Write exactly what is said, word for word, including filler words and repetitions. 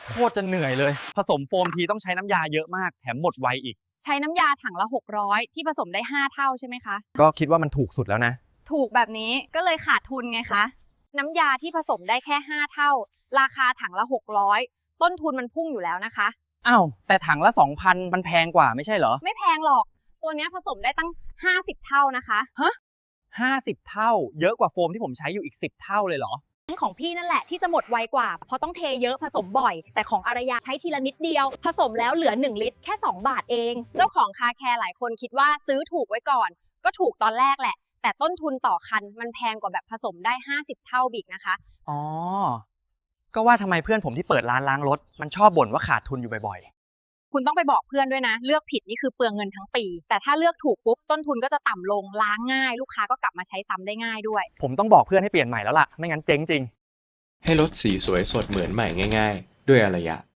โคตรจะเหนื่อยเลยผสมโฟมทีต้องใช้น้ำยาเยอะมากแถมหมดไวอีกใช้น้ำยาถังละหกร้อยที่ผสมได้ห้าเท่าใช่ไหมคะก็คิดว่ามันถูกสุดแล้วนะถูกแบบนี้ก็เลยขาดทุนไงคะน้ำยาที่ผสมได้แค่ห้าเท่าราคาถังละหกร้อยต้นทุนมันพุ่งอยู่แล้วนะคะอ้าวแต่ถังละ สองพัน มันแพงกว่าไม่ใช่เหรอไม่แพงหรอกตัวนี้ผสมได้ตั้งห้าสิบเท่านะคะฮะห้าสิบเท่าเยอะกว่าโฟมที่ผมใช้อยู่อีกสิบเท่าเลยเหรอของพี่นั่นแหละที่จะหมดไวกว่าเพราะต้องเทเยอะผสมบ่อยแต่ของอารยาใช้ทีละนิดเดียวผสมแล้วเหลือหนึ่งลิตรแค่สองบาทเองเจ้าของคาแคร์หลายคนคิดว่าซื้อถูกไว้ก่อนก็ถูกตอนแรกแหละแต่ต้นทุนต่อคันมันแพงกว่าแบบผสมได้ห้าสิบเท่าบิกนะคะอ๋อก็ว่าทำไมเพื่อนผมที่เปิดร้านล้างรถมันชอบบ่นว่าขาดทุนอยู่บ่อยๆคุณต้องไปบอกเพื่อนด้วยนะเลือกผิดนี่คือเปลืองเงินทั้งปีแต่ถ้าเลือกถูกปุ๊บต้นทุนก็จะต่ำลงล้างง่ายลูกค้าก็กลับมาใช้ซ้ำได้ง่ายด้วยผมต้องบอกเพื่อนให้เปลี่ยนใหม่แล้วล่ะไม่งั้นเจ๊งจริงให้รถสีสวยสดเหมือนใหม่ง่ายๆด้วยอารยะ